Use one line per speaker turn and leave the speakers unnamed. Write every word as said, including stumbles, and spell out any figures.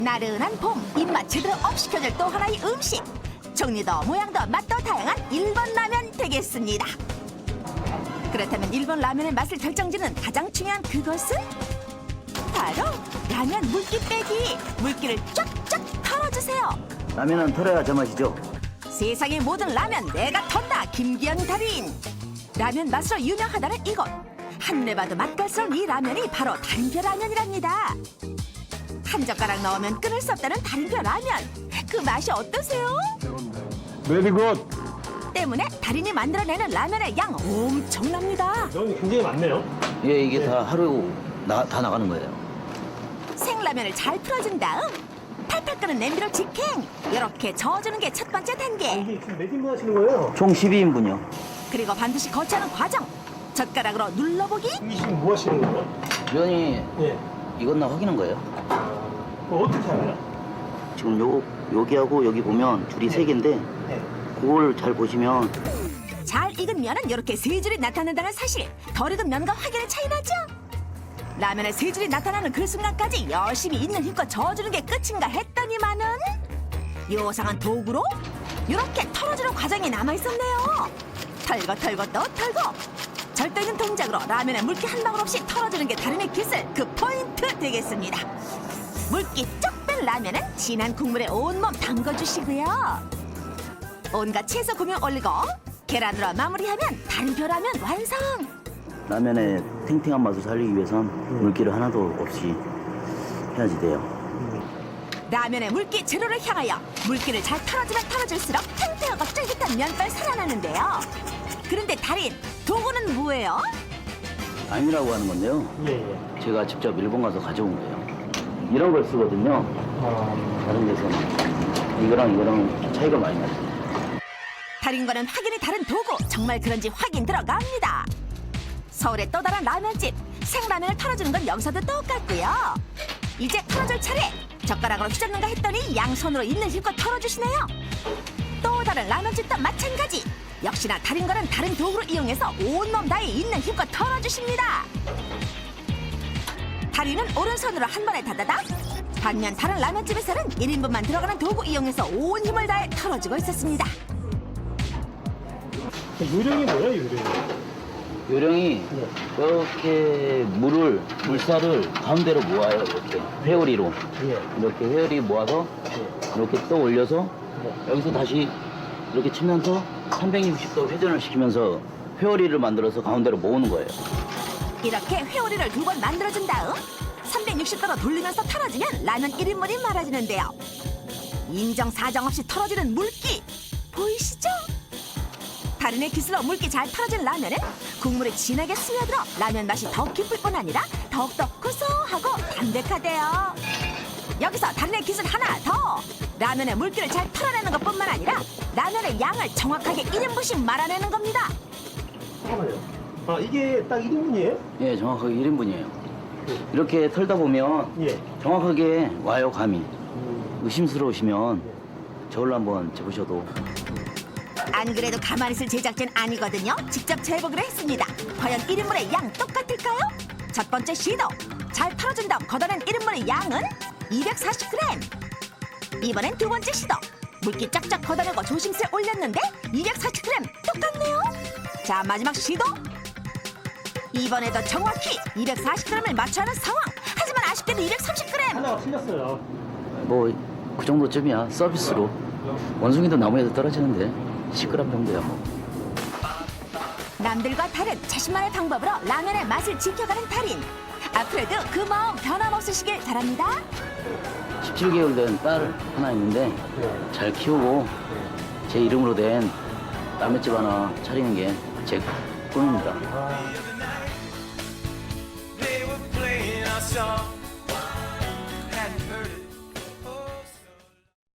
나른한 봄 입맛 제대로 업 시켜줄 또 하나의 음식. 종류도 모양도 맛도 다양한 일본 라면 되겠습니다. 그렇다면 일본 라면의 맛을 결정짓는 가장 중요한 그것은 바로 라면 물기 빼기. 물기를 쫙쫙 털어주세요.
라면은 털어야 제맛이죠.
세상의 모든 라면 내가 턴다. 김기현 달인. 라면 맛으로 유명하다는 이곳. 한눈에 봐도 맛깔스러운 이 라면이 바로 달인표 라면이랍니다. 한 젓가락 넣으면 끊을 수 없다는 달인표 라면. 그 맛이 어떠세요?
메리 굿.
때문에 달인이 만들어내는 라면의 양 엄청납니다.
면이 굉장히 많네요.
예, 이게 다 하루 나, 다 나가는 거예요.
생라면을 잘 풀어준 다음 팔팔 끓는 냄비로 직행. 이렇게 저어주는 게 첫 번째 단계.
이게 지금 몇 인분 하시는 거예요?
총 십이 인분이요.
그리고 반드시 거쳐야 하는 과정. 젓가락으로 눌러보기.
이게 지금 뭐 하시는 거예요?
면이
예.
익었나 확인한 거예요.
그거 어떻게 알아요?
지금 요, 여기하고 여기 보면 줄이 세 개인데
네.
그걸 잘 보시면
잘 익은 면은 이렇게 세 줄이 나타난다는 사실. 덜 익은 면과 확연히 차이 나죠? 라면에 세 줄이 나타나는 그 순간까지 열심히 있는 힘껏 저어주는 게 끝인가 했더니만은 요상한 도구로 이렇게 털어주는 과정이 남아있었네요. 털고 털고 또 털고 절도 있는 동작으로 라면에 물기 한 방울 없이 털어주는 게 달인의 기술. 그 포인트 되겠습니다. 물기 쩍 뺀 라면은 진한 국물에 온몸 담궈주시고요. 온갖 채소 고명 올리고 계란으로 마무리하면 달인표 라면 완성.
라면의 탱탱한 맛을 살리기 위해선 물기를 하나도 없이 해야지 돼요.
라면의 물기 제로를 향하여 물기를 잘 털어주면 털어줄수록 탱탱하고 쫄깃한 면발 살아나는데요. 그런데 달인, 도구는 뭐예요?
아임이라고 하는 건데요.
예, 예.
제가 직접 일본 가서 가져온 거예요. 이런 걸 쓰거든요.
아,
다른 데서는 이거랑 이거랑 차이가 많이 나죠.
달인과는 확연히 다른 도구. 정말 그런지 확인 들어갑니다. 서울의 또 다른 라면집. 생라면을 털어주는 건 여기서도 똑같고요. 이제 털어줄 차례. 젓가락으로 휘젓는가 했더니 양손으로 있는 힘껏 털어주시네요. 또 다른 라면집도 마찬가지. 역시나 달인과는 다른 도구를 이용해서 온몸 다해 있는 힘껏 털어주십니다. 달인은 오른손으로 한 번에 다다닥. 반면 다른 라면집에서는 일 인분만 들어가는 도구 이용해서 온 힘을 다해 털어주고 있었습니다.
요령이 뭐예요, 요령이?
요령이 이렇게 물을 물살을 가운데로 모아요. 이렇게 회오리로
예.
이렇게 회오리 모아서 이렇게 또 올려서 여기서 다시 이렇게 치면서 삼백육십 도 회전을 시키면서 회오리를 만들어서 가운데로 모으는 거예요.
이렇게 회오리를 두 번 만들어준 다음 삼백육십 도로 돌리면서 털어주면 라면 일 인분이 말아지는데요. 인정사정 없이 털어지는 물기 보이시죠? 달인의 기술로 물기 잘 털어진 라면은 국물이 진하게 스며들어 라면 맛이 더 깊을 뿐 아니라 더욱더 고소하고 담백하대요. 여기서 달인의 기술 하나 더! 라면의 물기를 잘 털어내는 것뿐만 아니라 라면의 양을 정확하게 일 인분씩 말아내는 겁니다.
잠깐만요. 아, 이게 딱 일 인분이에요?
예, 정확하게 일 인분이에요. 이렇게 털다 보면
예.
정확하게 와요, 감이.
음.
의심스러우시면 저걸로 한번 재보셔도.
안 그래도 가만히 있을 제작진 아니거든요. 직접 재보기로 했습니다. 과연 일 인분의 양 똑같을까요? 첫 번째 시도. 잘 털어준 다음 걷어낸 일 인분의 양은 이백사십 그램. 이번엔 두 번째 시도. 물기 쫙쫙 걷어내고 조심스레 올렸는데 이백사십 그램 똑같네요. 자, 마지막 시도. 이번에도 정확히 이백사십 그램을 맞춰야 하는 상황. 하지만 아쉽게도 이백삼십 그램.
하나가 틀렸어요.
뭐 그 정도쯤이야. 서비스로. 원숭이도 나무에서 떨어지는데 십 그램 정도야 뭐.
남들과 다른 자신만의 방법으로 라면의 맛을 지켜가는 달인. 앞으로도 그 마음 변함없으시길 바랍니다.
십칠 개월 된 딸 하나 있는데 잘 키우고 제 이름으로 된 라면집 하나 차리는 게 제 꿈입니다.
아.
They were playing our song.